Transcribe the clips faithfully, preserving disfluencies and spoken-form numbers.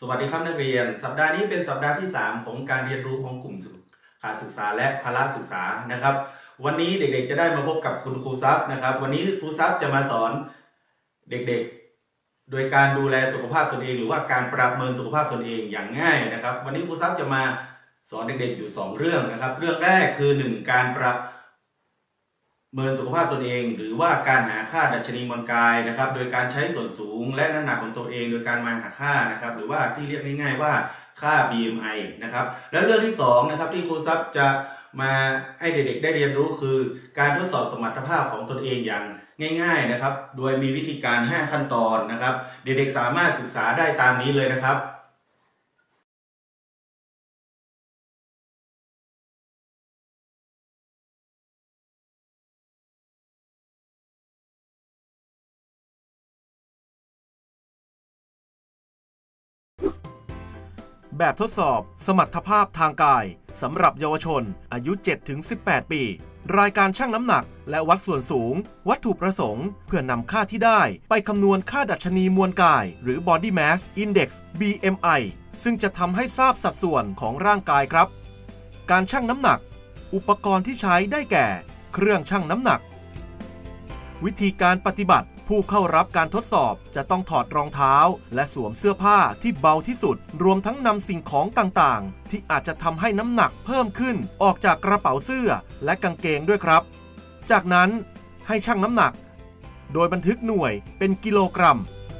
สวัสดีครับนักเรียนสัปดาห์นี้เป็นสัปดาห์ที่สามของการเรียนรู้ของกลุ่มการศึกษาและพละศึกษานะครับวันนี้เด็กๆจะได้มาพบกับคุณครูซับนะครับวันนี้ครูซับจะมาสอนเด็กๆโดยการดูแลสุขภาพตนเองหรือว่าการประเมินสุขภาพตนเองอย่างง่ายนะครับวันนี้ครูซับจะมาสอนเด็กๆอยู่สองเรื่องนะครับเรื่องแรกคือหนึ่งการประเมินสุขภาพตนเองหรือว่าการหาค่าดัชนีมวลกายนะครับโดยการใช้ส่วนสูงและน้ำหนักของตัวเองโดยการมาหาค่านะครับหรือว่าที่เรียกง่ายๆว่าค่า บี เอ็ม ไอ นะครับและเรื่องที่สองนะครับที่ครูซับจะมาให้เด็กๆได้เรียนรู้คือการทดสอบสมรรถภาพของตนเองอย่างง่ายๆนะครับโดยมีวิธีการห้าขั้นตอนนะครับเด็กๆสามารถศึกษาได้ตามนี้เลยนะครับแบบทดสอบสมรรถภาพทางกายสำหรับเยาวชนอายุ เจ็ดถึงสิบแปด ปี รายการชั่งน้ำหนักและวัดส่วนสูงวัตถุประสงค์เพื่อนำค่าที่ได้ไปคำนวณค่าดัชนีมวลกายหรือ Body Mass Index บี เอ็ม ไอ ซึ่งจะทำให้ทราบสัดส่วนของร่างกายครับการชั่งน้ำหนักอุปกรณ์ที่ใช้ได้แก่เครื่องชั่งน้ำหนักวิธีการปฏิบัติผู้เข้ารับการทดสอบจะต้องถอดรองเท้าและสวมเสื้อผ้าที่เบาที่สุดรวมทั้งนำสิ่งของต่างๆที่อาจจะทำให้น้ำหนักเพิ่มขึ้นออกจากกระเป๋าเสื้อและกางเกงด้วยครับจากนั้นให้ชั่งน้ำหนักโดยบันทึกหน่วยเป็นกิโลกรัม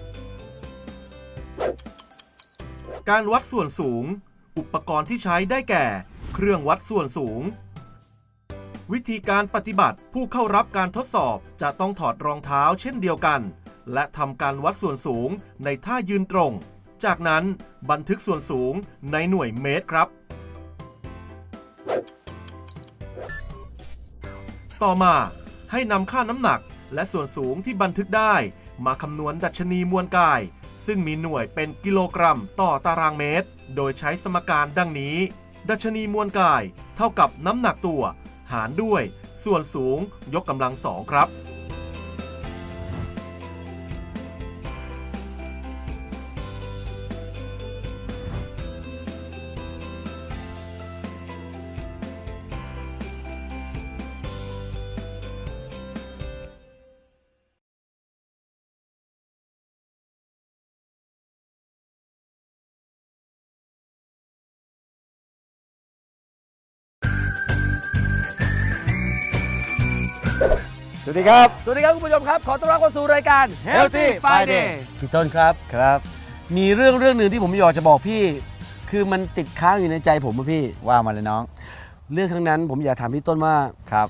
การวัดส่วนสูงอุปกรณ์ที่ใช้ได้แก่เครื่องวัดส่วนสูงวิธีการปฏิบัติผู้เข้ารับการทดสอบจะต้องถอดรองเท้าเช่นเดียวกันและทำการวัดส่วนสูงในท่ายืนตรงจากนั้นบันทึกส่วนสูงในหน่วยเมตรครับต่อมาให้นำค่าน้ำหนักและส่วนสูงที่บันทึกได้มาคำนวณดัชนีมวลกายซึ่งมีหน่วยเป็นกิโลกรัมต่อตารางเมตรโดยใช้สมการดังนี้ดัชนีมวลกายเท่ากับน้ำหนักตัวหารด้วยส่วนสูงยกกำลังสองครับสวัสดีครับสวัสดีครับคุณผู้ชมครับขอต้อนรับเข้าสู่รายการ Healthy Friday พี่ต้นครับครับมีเรื่องเรื่องหนึ่งที่ผมอยากจะบอกพี่คือมันติดค้างอยู่ในใจผมอะพี่ว่ามาเลยน้องเรื่องครั้งนั้นผมอยากถามพี่ต้นว่าครับ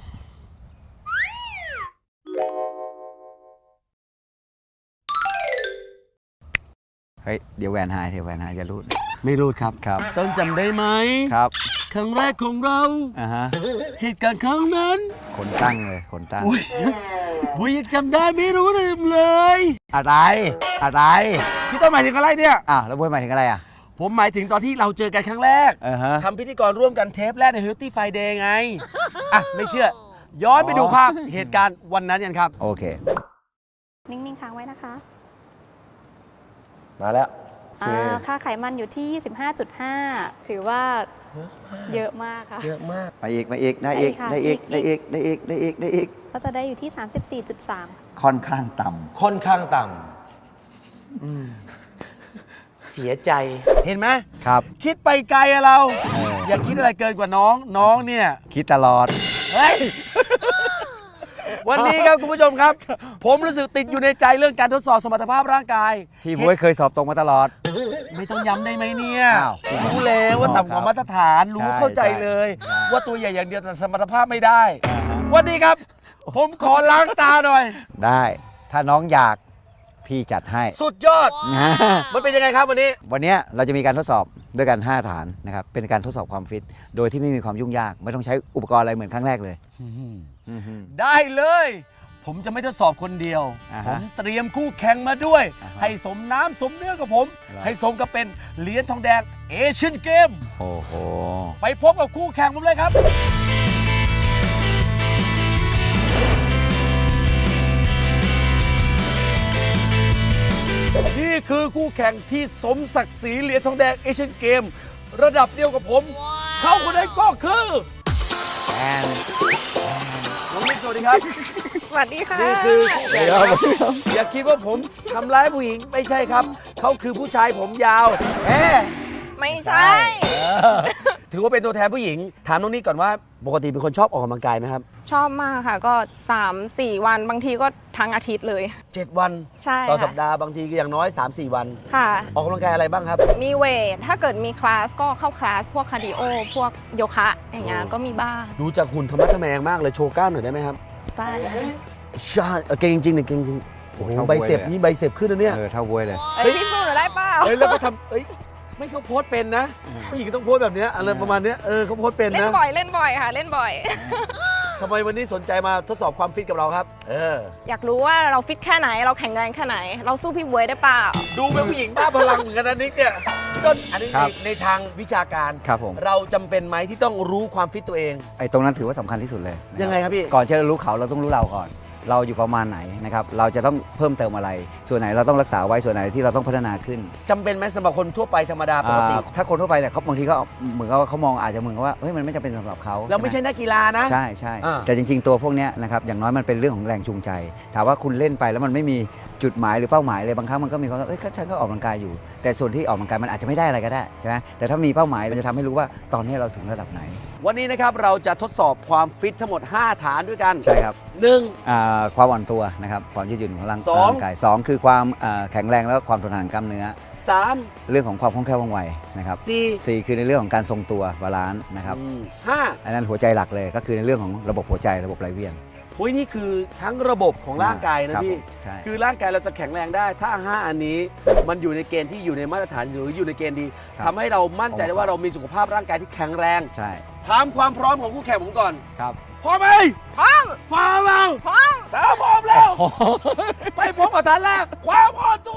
เฮ้ยเดี๋ยวแหวนหายเดี๋ยวแหวนหายจะรูดไม่รูดครับครับต้นจำได้ไหมครับครั้งแรกของเราอ่าฮะเหตุการณ์ครั้งนั้นคนตั้งเลยคนตั้งอุ้ยอุ้ยยังจำได้ไม่รู้ลืมเลยอะไรอะไรพี่ต้นหมายถึงอะไรเนี่ยอ่ะแล้วบุ้ยหมายถึงอะไรอ่ะผมหมายถึงตอนที่เราเจอกันครั้งแรก uh-huh. ทำพิธีกรร่วมกันเทปแรกใน Healthy Friday ไงอ่ะไม่เชื่อย้อนไปดูภาพเหตุการณ์วันนั้นกันครับโอเคนิ่งๆค้างไว้นะคะมาแล้วค่าไขมันอยู่ที่ ยี่สิบห้าจุดห้า ถือว่าเยอะมากค่ะเยอะมากไปอีกไปอีกได้อีกได้อีกได้อีกได้อีกได้อีกได้อีกก็จะได้อยู่ที่ สามสิบสี่จุดสามค่อนข้างต่ำค่อนข้างต่ำเสียใจเห็นไหมครับคิดไปไกลอะเราอย่าคิดอะไรเกินกว่าน้องน้องเนี่ยคิดตลอดเฮ้ยวันนี้ครับคุณผู้ชมครับผมรู้สึกติดอยู่ในใจเรื่องการทดสอบสมรรถภาพร่างกายที่บุ้ยเคยสอบตรงมาตลอดไม่ต้องย้ำได้ไหมเนี่ยรู้แล้วว่าต่ำกว่ามาตรฐานรู้เข้าใจเลยว่าตัวใหญ่อย่างเดียวแต่สมรรถภาพไม่ได้วันนี้ครับผมขอล้างตาหน่อยได้ถ้าน้องอยากพี่จัดให้สุดยอดมันเป็นยังไงครับวันนี้วันนี้เราจะมีการทดสอบด้วยกันห้าฐานนะครับเป็นการทดสอบความฟิตโดยที่ไม่มีความยุ่งยากไม่ต้องใช้อุปกรณ์อะไรเหมือนครั้งแรกเลยได้เลยผมจะไม่ทดสอบคนเดียวผมเตรียมคู่แข่งมาด้วยให้สมน้ำสมเนื้อกับผมให้สมกับเป็นเหรียญทองแดงเอเชียนเกมโอ้โหไปพบกับคู่แข่งผมเลยครับนี่คือคู่แข่งที่สมศักดิ์ศรีเหรียญทองแดงเอเชียนเกม ระดับเดียวกับผม เขาคนนั้นก็คือน้องมิกสวัสดีครับสวัสดีค่ะนี่คือคู่แข่งครับอย่าคิดว่าผมทำร้ายผู้หญิงไม่ใช่ครับ เขาคือผู้ชายผมยาวแหมไม่ใช่ถือว่าเป็นตัวแทนผู้หญิง ถามน้องนิกก่อนว่าปกติเป็นคนชอบออกกำลังกายไหมครับชอบมากค่ะก็ สามสี่ วันบางทีก็ทั้งอาทิตย์เลยเจ็ด วันใช่ต่อค่ะสัปดาห์บางทีก็อย่างน้อย สามสี่ วันค่ะออกกำลังกายอะไรบ้างครับมีเวท ถ้าเกิดมีคลาสก็เข้าคลาส พวกคาร์ดิโอ พวกโยคะอย่างเงี้ยโอ้ก็มีบ้างดูจากหุ่นธรรมะทะแมงมากเลยโชว์กล้ามหน่อยได้ไหมครับได้ใช่เออเก่งจริงๆเนี่ยเก่งจริงโอ้โหเท่าใบเสพบวยเลยนี่ใบเสพขึ้นนะเนี่ยเออเท่าบวยเลยเอ้ยพี่สู้หนูได้เปล่าเฮ้ยแล้วก็ทำเอ้ยไม่เขาโพสต์เป็นนะผู้หญิงต้องโพสต์แบบเนี้ยอะไรประมาณเนี้ยเออเขาโพสต์เป็นเล่นนะบ่อยเล่นบ่อยค่ะ เล่นบ่อยทำไมวันนี้สนใจมาทดสอบความฟิตกับเราครับ เอออยากรู้ว่าเราฟิตแค่ไหน เราแข็งแรงแค่ไหน เราสู้พี่บวยได้เปล่าดูเป็นผู้หญิงบ้าพลังเหมือนกันนะนิกเนี่ยพี่ต้นอันนี้ครัในบในทางวิชาการครับผมเราจำเป็นไหมที่ต้องรู้ความฟิตตัวเองไอ้ตรงนั้นถือว่าสำคัญที่สุดเลยนะยังไงครับพี่ก่อนที่จะรู้เขาเราต้องรู้เราก่อน เราอยู่ประมาณไหนนะครับเราจะต้องเพิ่มเติมอะไร ส่วนไหนเราต้องรักษาไว้ส่วนไหนที่เราต้องพัฒนาขึ้นจำเป็นไหมสำหรับคนทั่วไปธรรมดาปกติอ่าถ้าคนทั่วไปเนี่ยเขาบางทีก็เหมือนกับว่าเขามองอาจจะเหมือนกับว่าเฮ้ยมันไม่จำเป็นสำหรับเขาเราไม่ใช่นักกีฬานะใช่ใช่อ่าแต่จริงๆตัวพวกเนี้ยนะครับอย่างน้อยมันเป็นเรื่องของแรงจูงใจ ถามว่าคุณเล่นไปแล้วมันไม่มีจุดหมายหรือเป้าหมายเลยบางครั้งมันก็มีความว่าเอ้ยก็ฉันก็ออกกำลังกายอยู่ แต่ส่วนที่ออกกำลังกายมันอาจจะไม่ได้อะไรก็ได้ใช่ไหมแต่ถ้ามีเป้าหมายมันจะทำให้รู้ว่าตอนนี้เราถึงระดับไหนวันนี้นะครับเราจะทดสอบความฟิตทั้งหมด ห้า ฐานด้วยกันใช่ครับหนึ่งอ่าความอ่อนตัวนะครับความยืดหยุ่นของร่างสองร่างกายสองคือความอ่าแข็งแรงแล้วก็ความทนทานกล้ามเนื้อสามเรื่องของความคล่องแคล่วว่องไวนะครับสี่สี่คือในเรื่องของการทรงตัวบาลานซ์นะครับอืมห้าอันนั้นหัวใจหลักเลยก็คือในเรื่องของระบบหัวใจระบบไหลเวียนโอ้ยนี่คือทั้งระบบของร่างกายนะครับ พี่ผมใช่คือร่างกายเราจะแข็งแรงได้ ถ้า ห้า อันนี้มันอยู่ในเกณฑ์ที่อยู่ในมาตรฐานหรืออยู่ในเกณฑ์ดีครับทำให้เรามั่นใจได้ว่าเรามีสุขภาพร่างกายที่แข็งแรงใช่ถามความพร้อมของคู่แข่งผมก่อนครับพร้อมไหมพร้อมพร้อมแล้วพร้อมถ้าพร้อมแล้วไปพบกับฐานแรกความอ่อนตัว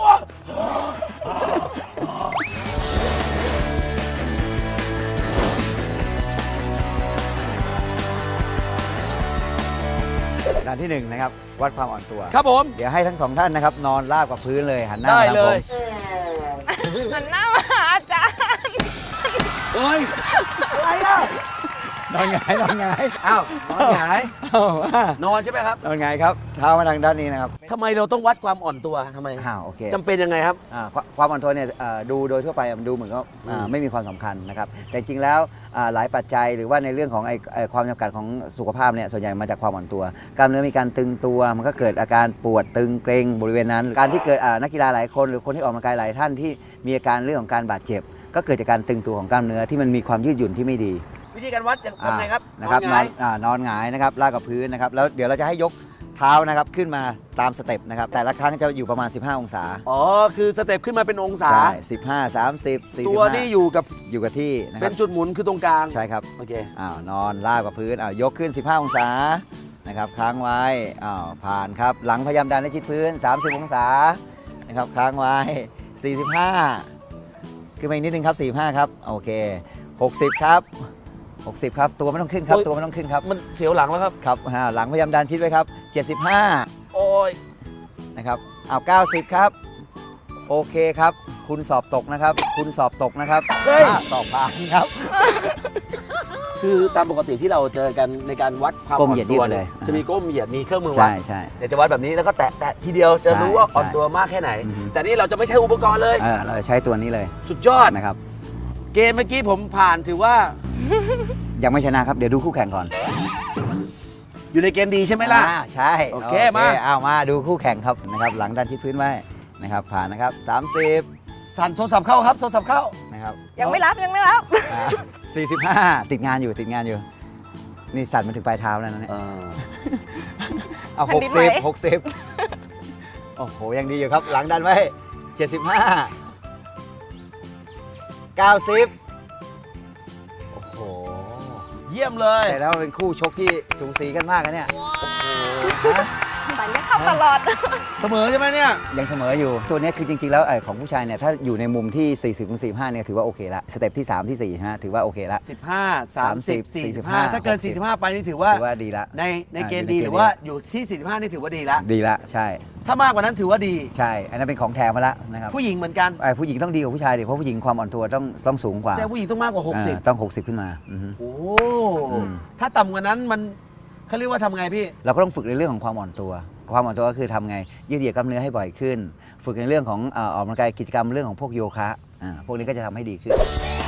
ด้านที่หนึ่งนะครับวัดความอ่อนตัวครับผมเดี๋ยวให้ทั้งสองท่านนะครับนอนราบกับพื้นเลยหันหน้าได้มาทางเลผมยมันหน้ามาหาอาจารย์เฮ้ยอะไรอ่ะนอนหงายนอนหงายอ้าวนอนหงายเอามานอนใช่ไหมครับนอนหงายครับเท้ามาทางด้านนี้นะครับทำไมเราต้องวัดความอ่อนตัวทำไมอ้าวโอเคจำเป็นยังไงครับอ่าความความอ่อนตัวเนี่ยเอ่อดูโดยทั่วไปมันดูเหมือนก็อ่าอืมไม่มีความสำคัญนะครับแต่จริงๆแล้วอ่าหลายปัจจัยหรือว่าในเรื่องของไอ้ไอ้ความจำกัดของสุขภาพเนี่ยส่วนใหญ่มาจากความอ่อนตัวกล้ามเนื้อมีการตึงตัวมันก็เกิดอาการปวดตึงเกร็งบริเวณนั้น การที่เกิดอ่านักกีฬาหลายคนหรือคนที่ออกกำลังกายหลายท่านที่มีอาการเรื่องของการบาดเจ็บ ก็เกิดจากการตึงตัวของกล้ามเนื้อที่มันมีความยืดหยุ่นที่ไม่ดีวิธีการวัดทำไงครับนะครับนนออน นหงายอ่านอนหงายนะครับลากกับพื้นนะครับแล้วเดี๋ยวเราจะให้ยกเท้านะครับขึ้นมาตามสเต็ปนะครับแต่ละครั้งจะอยู่ประมาณ สิบห้า องศาอ๋อ คือสเต็ปขึ้นมาเป็นองศาใช่สิบห้า สามสิบ สี่สิบตัวนี่อยู่กับอยู่กับที่นะคเป็รับนจุดหมุนคือตรงกลางใช่ครับโอเคอ้าวนอนลากกับพื้นอ้าวยกขึ้น สิบห้า องศานะครับค้างไว้อ้าวผ่านครับหลังพยายามดันให้ชิดพื้น สามสิบ องศานะครับค้างไว้ สี่สิบห้า ขึ้นมาอีกนิดนึงครับ สี่สิบห้า ครับโอเค หกสิบ ครับ หกสิบ ครับตัวไม่ต้องขึ้นครับโอ้ยตัวไม่ต้องขึ้นครับมันเสียวหลังแล้วครับครับอ่าหลังพยายามดันชิดไว้ครับ เจ็ดสิบห้าโอ้ยนะครับเอาเก้าสิบ ครับโอเคครับคุณสอบตกนะครับ คุณสอบตกนะครับเฮ้ยอ่าสอบผ่านครับคือตามปกติที่เราเจอกันในการวัดความก้มอ่อเหยียนดตัวยืดเลยจะมีก้มเหยียดมีเครื่องมือวัใช่ดใช่เดี๋ยวจะวัดแบบนี้แล้วก็แตะแตะทีเดียวจะใช่รู้ว่าอ่อนใช่ตัวมากแค่ไหนอือฮึแต่นี่เราจะไม่ใช้อุปกรณ์เลยเออเราจะใช้ตัวนี้เลยสุดยอดนะครับเกมเมื่อกี้ผมผ่านถือว่ายังไม่ชนะครับ เดี๋ยวดูคู่แข่งก่อนอยู่ในเกณฑ์ดีใช่ไหมล่ะอ่าใช่โอเคมาเอามาดูคู่แข่งครับนะครับหลังดันชิดพื้นไว้นะครับผ่านนะครับสามสิบสั่นโทรศัพท์เข้าครับโทรศัพท์เข้านะครับยังไม่รับยังไม่รับอ่าสี่สิบห้าติดงานอยู่ติดงานอยู่ นี่สั่นมาถึงปลายเท้าแล้วนะเนี่ยเออเอาแผ่หนกดินไหวสิบหกสิบโอ้โหยังดีอยู่ครับ หลังดันไว้เจ็ดสิบห้าเก้าสิบโอ้โหเยี่ยมเลยแต่แล้วเป็นคู่ชกที่สูสีกันมากนะเนี่ยฮะใส่ไม่เข้าตลอดเสมอใช่ไหมเนี่ยยังเสมออยู่ตัวเนี้ยคือจริงๆแล้วไอ้ของผู้ชายเนี่ยถ้าอยู่ในมุมที่ สี่สิบถึงสี่สิบห้าเนี่ยถือว่าโอเคละสเต็ปที่สามที่สี่ฮะถือว่าโอเคละสิบห้า สามสิบ สี่สิบห้าสี่สิบห้าถ้าเกินหกสิบสี่สิบห้า ไปนี่ถือว่าถือว่าดีละในในเกณฑ์อ่าดีอยู่ในเกณฑ์หรือว่าดีอยู่ที่ สี่สิบห้า นี่ถือว่าดีละดีละใช่ถ้ามากกว่านั้นถือว่าดีใช่ อันนั้นเป็นของแถมมาละนะครับผู้หญิงเหมือนกันไอ้ผู้หญิงต้องดีกว่าผู้ชายดิเพราะผู้หญิงความอ่อนตัวต้องต้องสูงกว่าแสดงผู้หญิงต้องมากกว่า หกสิบอ่าต้องหกสิบขึ้นมาอือฮึโอ้อืมถ้าต่ำกว่านั้นมันเขาเรียกว่าทำไงพี่เราก็ต้องฝึกในเรื่องของความอ่อนตัว ความอ่อนตัวก็คือทำไงยืดเหยียดกล้ามเนื้อให้บ่อยขึ้น ฝึกในเรื่องของเอ่อออกกำลังกายกิจกรรมเรื่องของพวกโยคะอ่าพวกนี้ก็จะทำให้ดีขึ้น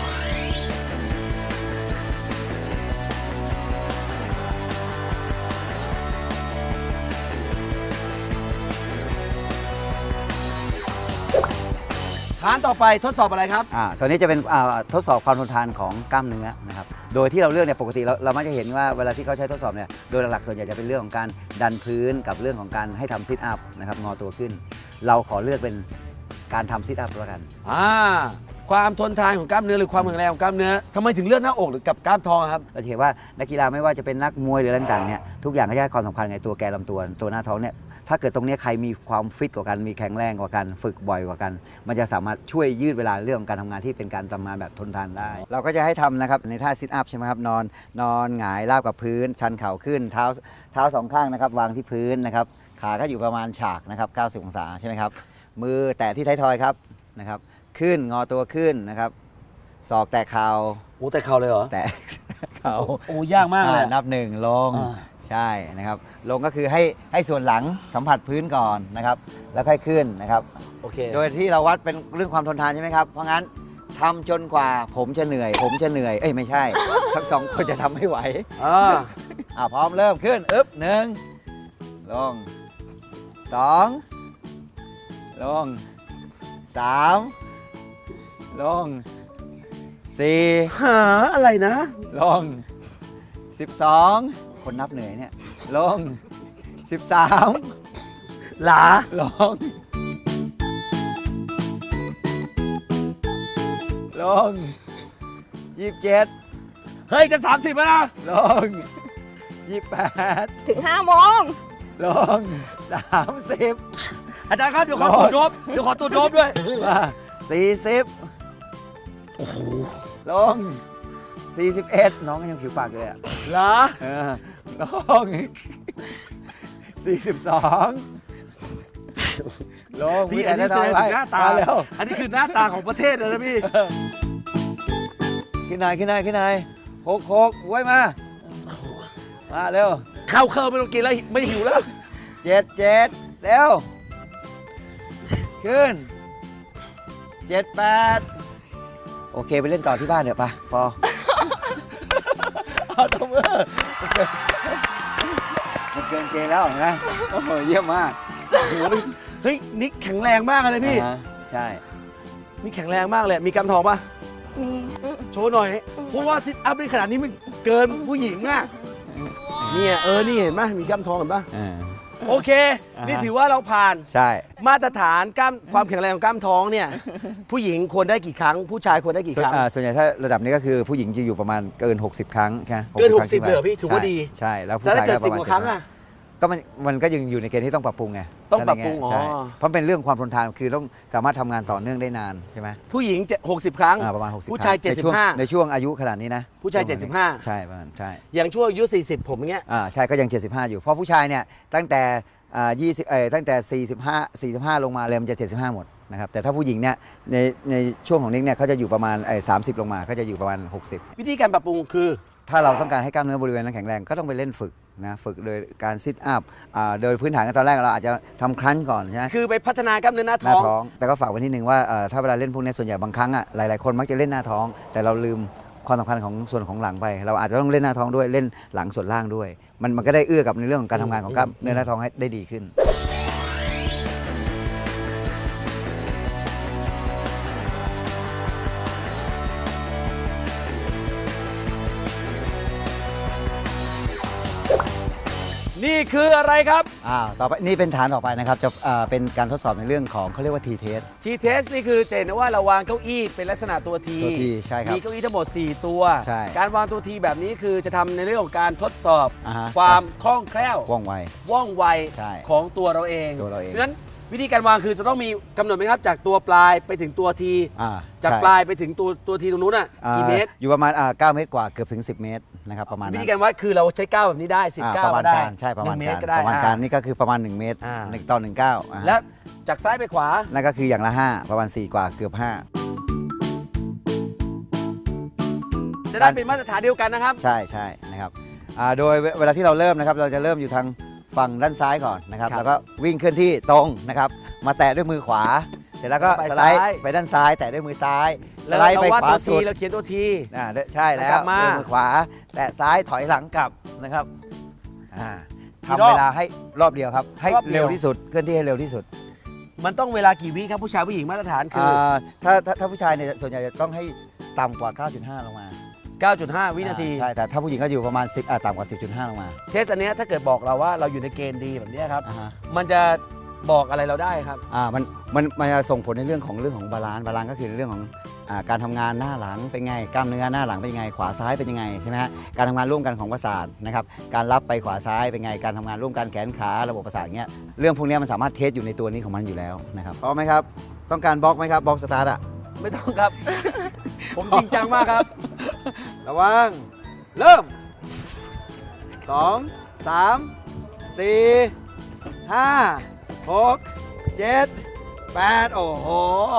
ฐานต่อไปทดสอบอะไรครับอ่าตัวนี้จะเป็นอ่าทดสอบความทนทานของกล้ามเนื้อนะครับ โดยที่เราเลือกเนี่ยปกติเราเรามักจะเห็นว่าเวลาที่เขาใช้ทดสอบเนี่ยโดยหลักๆส่วนใหญ่จะเป็นเรื่องของการดันพื้นกับเรื่องของการให้ทำซิทอัพนะครับงอตัวขึ้น เราขอเลือกเป็นการทำซิทอัพแล้วกันอ่า ความทนทานของกล้ามเนื้อหรือความแข็งแรงของกล้ามเนื้อทำไมถึงเลือกหน้าอกหรือกับกล้ามท้องครับเราจะเห็นว่านักกีฬาไม่ว่าจะเป็นนักมวยหรืออะไรต่างๆเนี่ยทุกอย่างก็จะให้ความสำคัญในตัวแกนลำตัวตัวหน้าท้องเนี่ยถ้าเกิดตรงเนี้ยใครมีความฟิตกว่ากันมีแข็งแรงกว่ากันฝึกบ่อยกว่ากัน มันจะสามารถช่วยยืดเวลาเรื่องของการทำงานที่เป็นการทำงานแบบทนทานได้ เราก็จะให้ทำนะครับในท่าซิทอัพใช่ไหมครับนอนนอนหงายราบกับพื้น ชันเข่าขึ้นเท้าเท้าสองข้างนะครับวางที่พื้นนะครับขาก็อยู่ประมาณฉากนะครับเก้าสิบองศาใช่ไหมครับมือแตะที่ท้ายทอยครับนะครับขึ้นงอตัวขึ้นนะครับศอกแตะเข่าโอ้แต่เข่าเลยเหรอแตะเข่าโอ้ยากมากเลยอ่านับหนึ่งลงอ่าใช่นะครับลงก็คือให้ให้ส่วนหลังสัมผัสพื้นก่อนนะครับแล้วค่อยขึ้นนะครับโอเคโดยที่เราวัดเป็นเรื่องความทนทานใช่ไหมครับเพราะงั้นทำจนกว่าผมจะเหนื่อย ผมจะเหนื่อยเอ้ยไม่ใช่ ทั้งสองคนจะทำไม่ไหวอ่าอ่าพร้อมเริ่มขึ้นอึ๊บหนึ่งลงสองลงสามลงสี่หาอะไรนะลงสิบสองคนนับเหนื่อยเนี่ยลงสิบสามหลาลงลงยี่สิบเจ็ดเฮ้ย จะ สามสิบแล้วนะลงยี่สิบแปดถึงห้าโมงลงสามสิบอาจารย์ครับ เดี๋ยวขอตรวจรบเดี๋ยวขอตรวจรบด้วยมาสี่สิบลงสี่สิบเอ็ดน้องก็ยังผิวปากเลยอ่ะเหรอเออลงสี่สิบสองลงพี่อันนี้วิแสทดงยาถึงหน้าตามาเร็วอันนี้คือหน้าตาของประเทศเลยนะพี่ขึ้นหน่อยขึ้นหน่อยขึ้นหน่อยโคกโคกไว้มา มาเร็วข้าวเคอร์ไม่ต้องกินแล้วไม่หิวแล้วเจ็ดเจ็ดเร็ว ขึ้นเจ็ดแปดโอเค ไปเล่นต่อที่บ้านเดี๋ยวปะพอ เอาตัวมือมันเกินเกณฑ์แล้วเห็นะโอ้โหเยี่ยมมากเฮ้ย นิกแข็งแรงมากเลยพี่อ่าฮะใช่นี่แข็งแรงมากเลย มีกำทองปะมีโชว์หน่อย เพราะว่าซิทอัพในขนาดนี้มันเกินผู้หญิงอะเนี่ยเออ นี่เห็นไหมมีกล้ามทองเห็นปะอ่าโอเคอ่าฮะนี่ถือว่าเราผ่านใช่มาตรฐานกล้ามความแข็งแรงของกล้ามท้องเนี่ย ผู้หญิงควรได้กี่ครั้ง ผู้ชายควรได้กี่ส่วคน รั้งอ่าส่วนใหญ่ถ้าระดับนี้ก็คือผู้หญิงจะอยู่ประมาณเกิน หกสิบ ครั้งใช่ไหมเกินครั้งหกสิบขึ้นไปเลยเหรอพี่ถือว่าใช่ดีใช่แล้วผู้แล้วชาถ้าย เกิก็ดปสิบระมาณกว่าครั้งอะก็มันมันก็ยังอยู่ในเกณฑ์ที่ต้องปรับปรุงไงต้องปรับปรุงใช่อ๋อเพราะเป็นเรื่องความทนทานคือต้องสามารถทำงานต่อเนื่องได้นานใช่ไหมผู้หญิงจะหกสิบครั้งอ่าประมาณหกสิบผู้ชายครั้งในช่วงเจ็ดสิบห้าในช่วงอายุขนาดนี้นะผู้ชายช่วงเจ็ดสิบห้าใช่ประมาณใช่อย่างช่วงอายุสี่สิบผมอย่างเงี้ยอ่าใช่ก็ยังเจ็ดสิบห้าอยู่เพราะผู้ชายเนี่ยตั้งแต่อ่ายี่สิบเอ่อตั้งแต่สี่สิบห้า สี่สิบห้าลงมาเลยมันจะเจ็ดสิบห้าหมดนะครับแต่ถ้าผู้หญิงเนี่ยในในช่วงของนิกเนี่ยเขาจะอยู่ประมาณไอ้สามสิบลงมาเขาจะอยู่ประมาณหกสิบวิธีการปรับปรุงคือถ้าเราต้องการให้กล้ามเนื้อบริเวณนั้นแข็งแรงก็ต้องไปเล่นฝึกนะฝึกโดยการซิทอัพอ่าโดยพื้นฐานกันตอนแรกเราอาจจะทำครั้นก่อนใช่ไหมคือไปพัฒนากล้ามเนื้อหน้าหท้น้าองท้องแต่ก็ฝากไว้นิดนึงว่าเอ่อถ้าเวลาเล่นพวกนี้ส่วนใหญ่บางครั้งอ่ะหลายๆคนมักจะเล่นหน้าท้อง แต่เราลืมความสำคัญของส่วนของหลังไป เราอาจจะต้องเล่นหน้าท้องด้วยเล่นหลังส่วนล่างด้วย มันมันก็ได้เอื้อกับในเรื่องของการทำงานของกล้ามเนื้อหน้าท้องให้ได้ดีขึ้นนนี่คืออะไรครับอ่าต่อไปนี่เป็นฐานต่อไปนะครับจะอ่าเป็นการทดสอบในเรื่องของเขาเรียกว่า ที test T test นี่คือจะเห็นว่าเราวางเก้าอี้เป็นลักษณะตัว T ตัว T ใช่ครับมีเก้าอี้ทั้งหมด สี่ ตัวใช่การวางตัว T แบบนี้คือจะทำในเรื่องของการทดสอบอ่าฮะความคล่องแคล่วว่องไวว่องไวใช่ของตัวเราเองตัวเราเองเพราะฉะนั้นวิธีการวางคือจะต้องมีกำหนดไหมครับ จากตัวปลายไปถึงตัว T อ่าจากใช่ปลายไปถึงตัวตัว T ตรงนู้นอ่ะอ่ากี่เมตรอยู่ประมาณอ่าเก้าเมตรกว่าเกือบถึงสิบเมตรนะครับประมาณวินั้นธีการวัดคือเราใช้ก้าวแบบนี้ได้สิบอ่าก้าปวระมาณได้การใช่ประมาณหนึ่งเมกาตรรก็ได้ประมาณการอ่นี่ก็คือประมาณหนึ่งเมตรอ่าหนึ่งต่อหนึ่งเก้าอ่าและจากซ้ายไปขวานั่นก็คืออย่างละห้าประมาณสี่กว่าเกือบห้าจะได้เป็นมาตรฐานเดียวกันนะครับใช่ใช่นะครับอ่าโดยเวลาที่เราเริ่มนะครับเราจะเริ่มอยู่ทางฝั่งด้านซ้ายก่อนนะครับครับแล้วก็วิ่งเคลื่อนที่ตรงนะครับมาแตะด้วยมือขวา เสร็จแล้วก็ไปสไลด์ซ้ายไปด้านซ้ายแตะด้วยมือซ้ายสแล้วไลด์เราไปวาดขวาตัวสุทีดเราเขียนตัวทีอ่าเด้อใช่แล้กลัวบมาด้วยมือขวา แตะซ้ายถอยหลังกลับนะครับอ่ากี่ทำรอบเวลาให้รอบเดียวครับ ให้รอบเดียวเร็วที่สุดเคลื่อนที่ให้เร็วที่สุดมันต้องเวลากี่วิครับผู้ชายผู้หญิงมาตรฐานคืออ่าถ้าถ้าถ้าผู้ชายเนี่ยส่วนใหญ่จะต้องให้ต่ำกว่า เก้าจุดห้า ลงมาเก้าจุดห้า วินาทีอ่ใช่แต่ถ้าผู้หญิงก็อยู่ประมาณสิบอ่าต่ำกว่า สิบจุดห้า ลงมาเทสอันเนี้ยถ้าเกิดบอกเราว่าเราอยู่ในเกณฑ์ดีแบบเนี้ยครับอ่าฮะมันจะบอกอะไรเราได้ครับอ่ามันมันมันจะส่งผลในเรื่องของเรื่องของบาลานซ์บาลานซ์ก็คือเรื่องของอ่าการทำงานหน้าหลังเป็นไงกล้ามเนื้อหน้าหลังเป็นยังไงขวาซ้ายเป็นยังไงใช่ไหมฮะการทำงานร่วมกันของประสาทนะครับการรับไปขวาซ้ายเป็นไงการทำงานร่วมกันแขนขาระบบประสาทเงี้ยเรื่องพวกเนี้ยมันสามารถเทสอยู่ในตัวนี้ของมันอยู่แล้วนะครับพร้อมไหมครับต้องการบล็อกไหมครับบล็อกสตาร์ทอะไม่ต้องครับ ผมจริงจังมากครับระวังเริ่มสองสามสี่ห้าหกเจ็ดแปดโอ้โห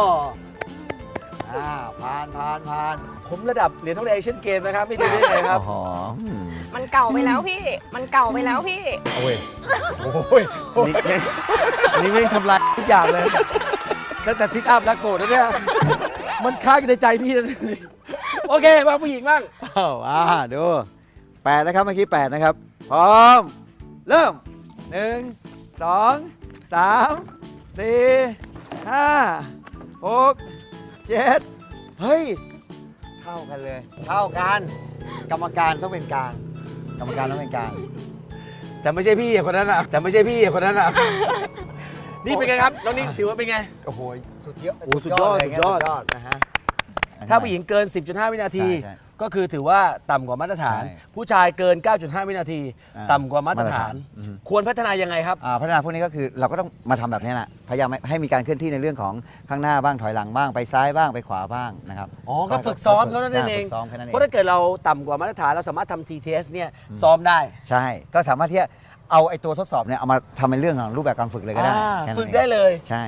อ่าผ่านผ่านผ่านผมระดับเหรียญทองแดงเอเชียนเกมนะครับไม่ได้ได้ไงครับโอ้โหอืมมันเก่าไปแล้วพี่ มันเก่าไปแล้วพี่โอ้ยโอ้ยนี่แม่งนี่ไม่งทำลายทุกอย่างเลยตั้งแต่ซิทอัพแล้วโกรธแล้วเนี่ยมันค้างอยู่ในใจพี่นะโอเคมาผู้หญิงบ้างอ้าวอ่าดูแปดนะครับเมื่อกี้แปดนะครับ พร้อม เริ่มหนึ่งสองสามสี่ห้าหกเจ็ดเฮ้ย เท่ากันเลย เท่ากัน กรรมการต้องเป็นกลาง กรรมการต้องเป็นกลางแต่ไม่ใช่พี่คนนั้นอ่ะแต่ไม่ใช่พี่คนนั้นอ่ะนี่เป็นไงครับน้องนิกถือว่าเป็นไงโอ้โห สุดยอดโอ้สุดยอดเลสุดยอดสุดยอดนะฮะถ้าผู้หญิงเกิน สิบจุดห้า วินาทีใช่ใช่ก็คือถือว่าต่ำกว่ามาตรฐานใช่ผู้ชายเกิน เก้าจุดห้า วินาทีอ่าต่ำกว่ามาตรฐานมาตรฐานอืมควรพัฒนายังไงครับอ่าพัฒนาพวกนี้ก็คือเราก็ต้องมาทำแบบนี้แหละพยายามให้ให้มีการเคลื่อนที่ในเรื่องของข้างหน้าบ้างถอยหลังบ้างไปซ้ายบ้างไปขวาบ้างนะครับอ๋อ ก็ฝึกซ้อมเท่านั้นเองใช่ฝึกซ้อมแค่นั้นเองเพราะถ้าเกิดเราต่ำกว่ามาตรฐานเราสามารถทำ ที ที เอส เนี่ยซ้อมได้ใช่ ก็สามารถที่จะเอาไอ้ตัวทดสอบเนี่ยเอามาทำเป็นเรื่องของรูปแบบการฝึกเลยก็ได้อ่าแค่นั้นฝึกองได้เลยใช่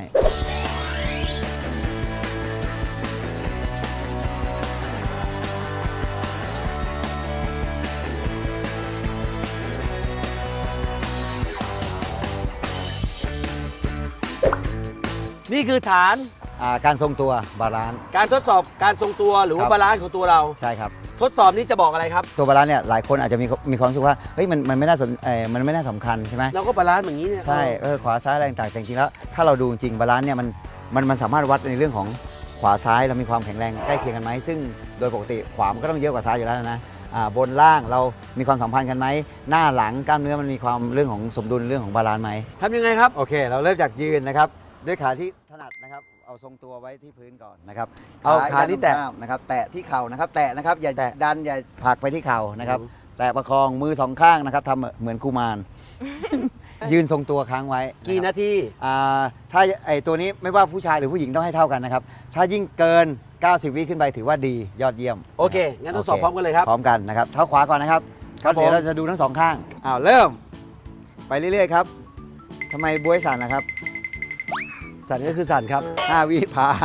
นี่คือฐานอ่าการทรงตัวบาลานซ์การทดสอบการทรงตัวหรือว่าครับบาลานซ์ของตัวเราใช่ครับทดสอบนี้จะบอกอะไรครับตัวบาลานซ์เนี่ยหลายคนอาจจะมีมีความรู้สึกว่าเฮ้ยมันมันไม่น่าสนเออมันไม่น่าสำคัญใช่ไหมเราก็บาลานซ์อย่างนี้เนี่ยใช่เออขวาซ้ายอะไรต่างๆแต่จริงๆแล้วถ้าเราดูจริงบาลานซ์เนี่ยมันมันมันสามารถวัดในเรื่องของขวาซ้ายเรามีความแข็งแรงใกล้เคียงกันไหมซึ่งโดยปกติขวามันก็ต้องเยอะกว่าซ้ายอยู่แล้วนะอ่าบนล่างเรามีความสัมพันธ์กันไหมหน้าหลังกล้ามเนื้อมันมีความเรื่องของสมดุลเรื่องของบาลานซ์ไหมทำยังไงครับโอเค เราเริ่มจากยืนนะครับด้วยขาที่ถนัดนะครับเอาทรงตัวไว้ที่พื้นก่อนนะครับเอาขาที่แตะด้นข้งนะครับแตะที่เข่านะครับแตะนะครับอย่าแตะดันอย่าผลักไปที่เข่านะครับอืมแตะประคองมือสองข้างนะครับทำเหมือนกุมาร ยืนทรงตัวค้างไว้กี่ะครับนาทีอ่าถ้าไอตัวนี้ไม่ว่าผู้ชายหรือผู้หญิงต้องให้เท่ากันนะครับ ถ้ายิ่งเกิน เก้าสิบ วิขึ้นไปถือว่าดียอดเยี่ยมโอเค งั้นทดสอบพร้อมกันเลยครับพร้อมกันนะครับเท้าขวาก่อนนะครับครับเดี๋ยวผมเราจะดูทั้งสองข้างอ้าวเริ่ม ไปเรื่อยๆครับทำไมบวยสั่นนะครับสั่นก็คือสั่นครับห้าวิผ่าน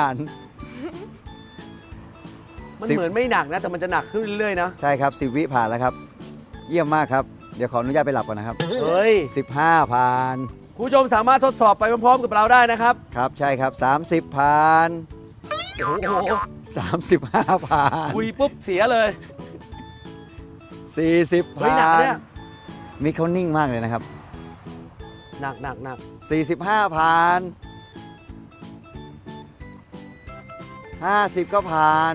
มันสิบเหมือนไม่หนักนะ แต่มันจะหนักขึ้นเรื่อยๆนะใช่ครับสิบวิผ่านแล้วครับ เยี่ยมมากครับ เดี๋ยวขออนุญาตไปหลับก่อนนะครับเฮ้ยสิบห้าผ่านคุณผู้ชมสามารถทดสอบไปพร้อมๆกับเราได้นะครับครับใช่ครับสามสิบผ่านโอ้โหสามสิบห้าผ่านคุยปุ๊บเสียเลยสี่สิบเฮ้ยผ่าหนักนเนี่ยมีเขานิ่งมากเลยนะครับหนักหนักหนักสี่สิบห้าผ่านห้าสิบก็ผ่าน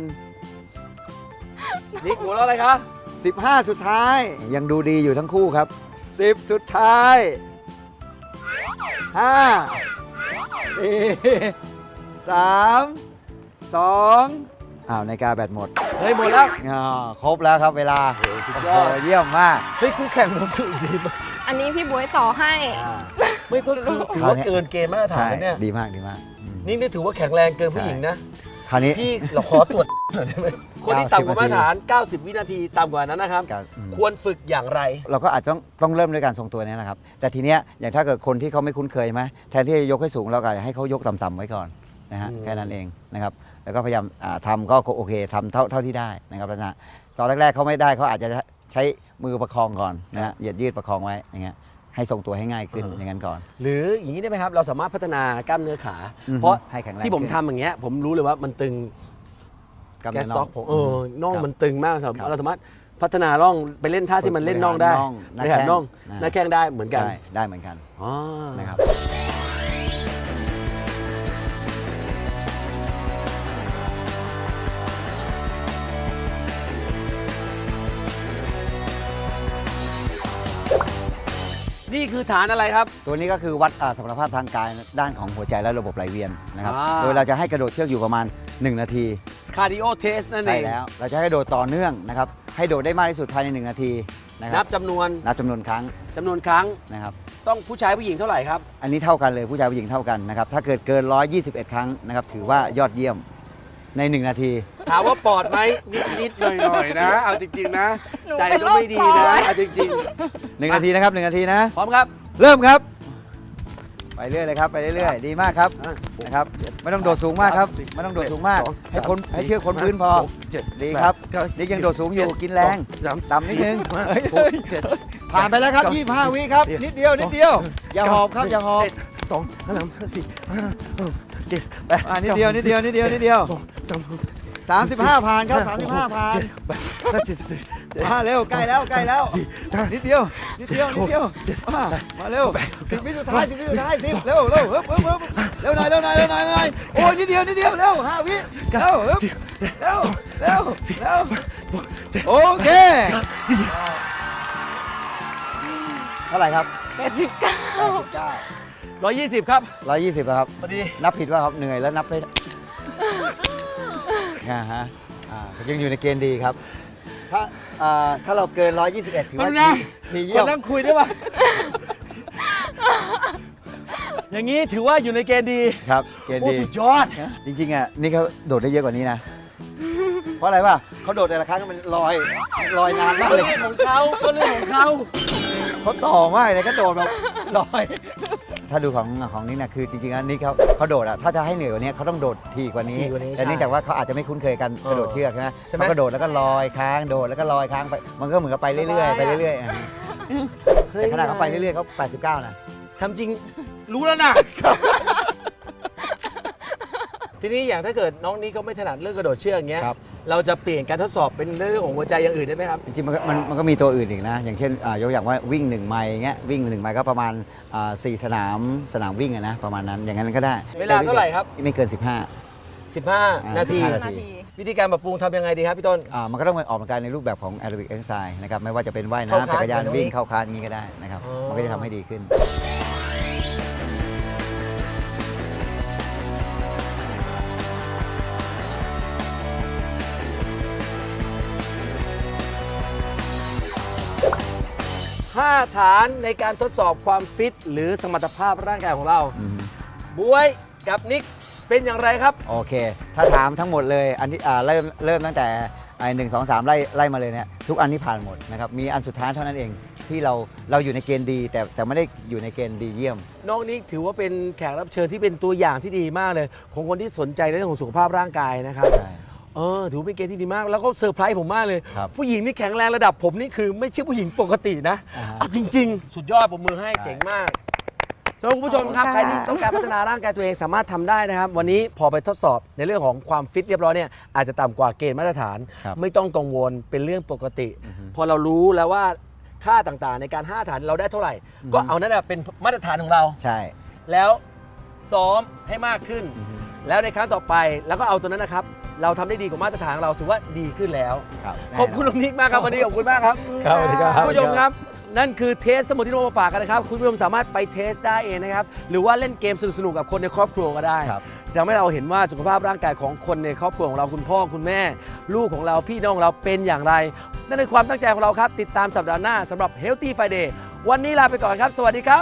นิกหัวเราะอะไรคะสิบห้าสุดท้ายยังดูดีอยู่ทั้งคู่ครับสิบสุดท้ายห้าสี่สามสองอ้าวนาฬิกาแบตหมดเฮ้ยหมดแล้วอ๋อครบแล้วครับเวลาสุดโอ้ยอดโหเยี่ยมมากเฮ้ยคู่แข่งผมสุดจริงอันนี้พี่บวยต่อให้ไม่ก็คือถือว่าเกินเกณฑ์มาตรฐาใช่นเนี่ยดีมากดีมากอืมนี่นี่ถือว่าแข็งแรงเกินผู้หญิงนะคราวนี้พี่เราขอตรวจหน่อยได้ไหมคนที่ต่ำกว่ามาตรฐาน เก้าสิบ วินาทีต่ำกว่านั้นนะครับครับอืมควรฝึกอย่างไรเราก็อาจจะต้องต้องเริ่มด้วยการทรงตัวนี้นะครับ แต่ทีเนี้ยอย่างถ้าเกิดคนที่เขาไม่คุ้นเคยไหมแทนที่จะยกให้สูงเราก็ให้เขายกต่ำๆไว้ก่อนนะฮะอืมแค่นั้นเองนะครับแล้วก็พยายามอ่าทำก็โอเคทำเท่าเท่าที่ได้นะครับลักษณะตอนแรกๆเขาไม่ได้เขาอาจจะใช้มือประคองก่อนนะฮะเหยียดยืดประคองไว้อย่างเงี้ยให้ทรงตัวให้ง่ายขึ้นอย่างนั้นก่อนหรืออย่างนี้ได้ไหมครับ เราสามารถพัฒนากล้ามเนื้อขาอือฮึเพราะให้แข็งแรงที่ผมขึ้นทำอย่างเงี้ยผมรู้เลยว่ามันตึงกล้ามแกเนื้สอต็อกผมเออน่องครับมันตึงมากครับเราสามารถพัฒนาร่องไปเล่นท่าที่มันเล่นน่องได้บริหารน่องหน้าแข้งบริหารน่องหน้าแข้งได้เหมือนกันใช่ได้เหมือนกันอ๋อนะครับนี่คือฐานอะไรครับตัวนี้ก็คือวัดอ่าสมรรถภาพทางกายด้านของหัวใจและระบบไหลเวียนนะครับอ่าโดยเราจะให้กระโดดเชือกอยู่ประมาณ หนึ่ง นาทีคาร์ดิโอเทสนั่นเอใช่งแล้ว เราจะให้โดดต่อเนื่องนะครับ ให้โดดได้มากที่สุดภายใน หนึ่ง นาทีนะคนัรับจำนวนนับจำนวนครั้งจำนวนครั้งนะครับต้องผู้ชายผู้หญิงเท่าไหร่ครับอันนี้เท่ากันเลยผู้ชายผู้หญิงเท่ากันนะครับ ถ้าเกิดเกิน หนึ่งร้อยยี่สิบเอ็ด ครั้งนะครับ ถือว่ายอดเยี่ยมใน หนึ่ง นาทีถามว่าปอดไหมนิดนิดๆหน่อยหน่อยๆนะ เอาจริง ๆ นะหนูใจเป็นก็ไม่ดีโรคปอนะดเอาจริงหนึ่ง นาทีนะครับหนึ่งนาทีนะๆ พร้อมครับเริ่มครับ ไปเรื่อยเลยครับไปเรื่อยๆดีมากครับอ่ะนะครับไม่ต้องโดดสูงมากครับไม่ต้องโดดสูงมาก ให้คนให้เชือกคนพื้นพอเจ็ดดีครับแปดนี่ยังโดดสูงอยู่กินแรงสามต่ำนิดนึงเฮ้ยเฮ้ยเจ็ดผ่านไปแล้วครับยี่สิบห้าวิครับนิดเดียวนิดเดียวอย่าหอบครับอย่าหอบสองสามสี่ห้าหกเจ็ดแปดอ่านิดเดียวนิดเดียวนิดเดียวนิดเดียวสองสามสิบห้าผ่านครับสามสิบห้าผ่านแปดเก้าสิบสิบมาเร็วใกล้แล้วใกล้แล้วนิดเดียวนิดเดียวนิดเดียวมามาเร็วสิบวิสุดท้ายสิบวิสุดท้ายสิบเร็วเร็วเร็วเร็วเร็วหน่อยเร็วหน่อยเร็วหน่อยเร็วหน่อยโอ้ยนิดเดียวนิดเดียวเร็วห้าวิเร็วเร็วเร็วเร็วเร็วโอเคเท่าไหร่ครับแปดสิบเก้าแปดสิบเก้าร้อยยี่สิบครับร้อยยี่สิบครับพอดีนับผิดว่าครับเหนื่อยแล้วนับไม่อ่าฮะอ่ายังอยู่ในเกณฑ์ดีครับ ถ้าอ่าถ้าเราเกิน ร้อยยี่สิบเอ็ด ถือว่าแป๊บนึงนะดีคเยี่ยนมนั่งคุยได้ปะอย่างนี้ถือว่าอยู่ในเกณฑ์ดีครับ เกณฑ์โอ้ดีสุดยอดจริงๆอ่ะนี่เขาโดดได้เยอะกว่านี้นะ เพราะอะไรป่ะเขาโดดแต่ละครั้งมันลอยลอยนานมากก็เลยเรื่องของเขาก็เรื่องของเขาเขาต่อมากเลยก็โดดแบบลอย ถ้าดูของของนี่นะคือจริงๆแล้วนี่เขาเขาโดดอ่ะถ้าจะให้เหนื่อยกว่านี้เขาต้องโดดทีกว่านี้ทีกว่านี้แต่เนื่องจากว่าเขาอาจจะไม่คุ้นเคยกันเออกระโดดเชือกใช่ไหมใช่ไหมเขาก็โดดแล้วก็ลอยค้างโดดแล้วก็ลอยค้างไปมันก็เหมือนกับไปเรื่อยๆไปเรื่อยๆอ่ะแต่ขนาดเขาไปเรื่อยๆเขาแปดสิบเก้านะทำจริงรู้แล้วนะ ทีนี้อย่างถ้าเกิดน้องนี้ก็ไม่ถนัดเรื่องกระโดดเชือกอย่างเงี้ยครับเราจะเปลี่ยนการทดสอบเป็นเรื่องของหัวใจอย่างอื่นได้ไหมครับจริงๆมันก็มันมันก็มีตัวอื่นอีกนะ อย่างเช่นอ่ายกอย่างว่าวิ่งหนึ่งไมล์เงี้ยวิ่งหนึ่งไมล์ก็ประมาณอ่าสี่สนามสนามวิ่งอะนะประมาณนั้นอย่างนั้นก็ได้เวลาเท่าไหร่ครับไม่เกิน สิบห้าสิบห้าอ่านาทีสิบห้านาทีวิธีการปรับปรุงทำยังไงดีครับพี่ต้นอ่ามันก็ต้องไปออกกำลังกายในรูปแบบของแอโรบิกเอ็กซ์ไซส์นะครับไม่ว่าจะเป็นว่ายเข้าน้ำคลาสจักรยานแบบนี้วิ่งเข้าคลาสอย่างนี้ก็ได้นะครับอ๋อมันก็จะทำให้ดีขึ้นห้าฐานในการทดสอบความฟิต หรือสมรรถภาพร่างกายของเราอืมบวยกับนิกเป็นอย่างไรครับโอเค ถ้าถามทั้งหมดเลยอันที่อ่าเริ่มเริ่มตั้งแต่ไอ้หนึ่งสองสามไล่ไล่มาเลยเนี่ยทุกอันที่ผ่านหมดนะครับมีอันสุดท้ายเท่านั้นเองที่เราเราอยู่ในเกณฑ์ดี แต่แต่ไม่ได้อยู่ในเกณฑ์ดีเยี่ยมน้องนิกถือว่าเป็นแขกรับเชิญที่เป็นตัวอย่างที่ดีมากเลย ของคนที่สนใจในเรื่องของสุขภาพร่างกายนะครับใช่เออถือว่าเป็นเกณฑ์ที่ดีมาก แล้วก็เซอร์ไพรส์ผมมากเลยครับผู้หญิงนี่แข็งแรงระดับผมนี่คือไม่ใช่ผู้หญิงปกตินะอ่าฮะเอาจริง ๆ สุดยอดผมมือให้เจ๋งมากสำหรับคุณผู้ชมครับขอบคุณค่ะใครที่ต้องการพัฒนาร่างกายตัวเองสามารถทำได้นะครับ วันนี้พอไปทดสอบในเรื่องของความฟิตเรียบร้อยเนี่ยอาจจะต่ำกว่าเกณฑ์มาตรฐานครับไม่ต้องกังวลเป็นเรื่องปกติอือฮึพอเรารู้แล้วว่าค่าต่างๆ ในการห้าฐานเราได้เท่าไหร่ ก็เอานั่นแหะเป็นมาตรฐานของเราใช่แล้วซ้อมให้มากขึ้นอือฮึแล้วในครั้งต่อไปแล้วก็เอาตัวนั้นนะครับ เราทำได้ดีกว่ามาตรฐานของเราถือว่าดีขึ้นแล้วครับขอบคุณน้องนิกมากครับวันนี้ขอบคุณมากครับครับสวัสดีครับคุณผู้ชมครับนั่นคือเทสทั้งหมดที่เรามาฝากกันนะครับคุณผู้ชมสามารถไปเทสได้เองนะครับหรือว่าเล่นเกมสนุกๆกับคนในครอบครัวก็ได้ทำให้เราเห็นว่าสุขภาพร่างกายของคนในครอบครัวของเราคุณพ่อคุณแม่ลูกของเราพี่น้องของเราเป็นอย่างไรนั่นคือความตั้งใจของเราครับติดตามสัปดาห์หน้าสำหรับ Healthy Friday วันนี้ลาไปก่อนครับสวัสดีครับ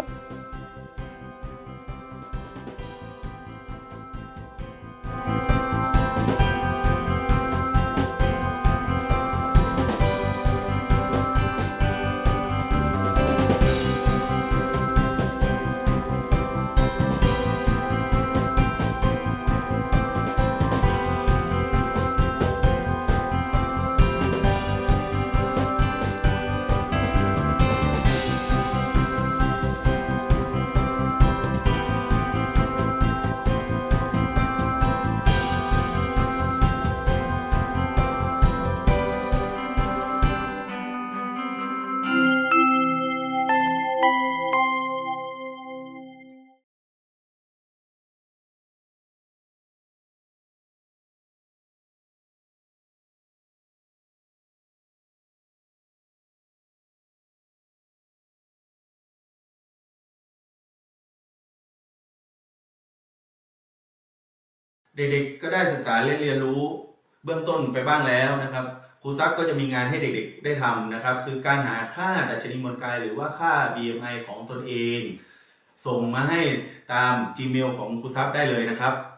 เด็กๆก็ได้ศึกษาและเรียนรู้เบื้องต้นไปบ้างแล้วนะครับครูซักก็จะมีงานให้เด็กๆได้ทำนะครับคือการหาค่าดัชนีมวลกายหรือว่าค่า บี เอ็ม ไอ ของตนเองส่งมาให้ตาม จีเมล ของครูซักได้เลยนะครับ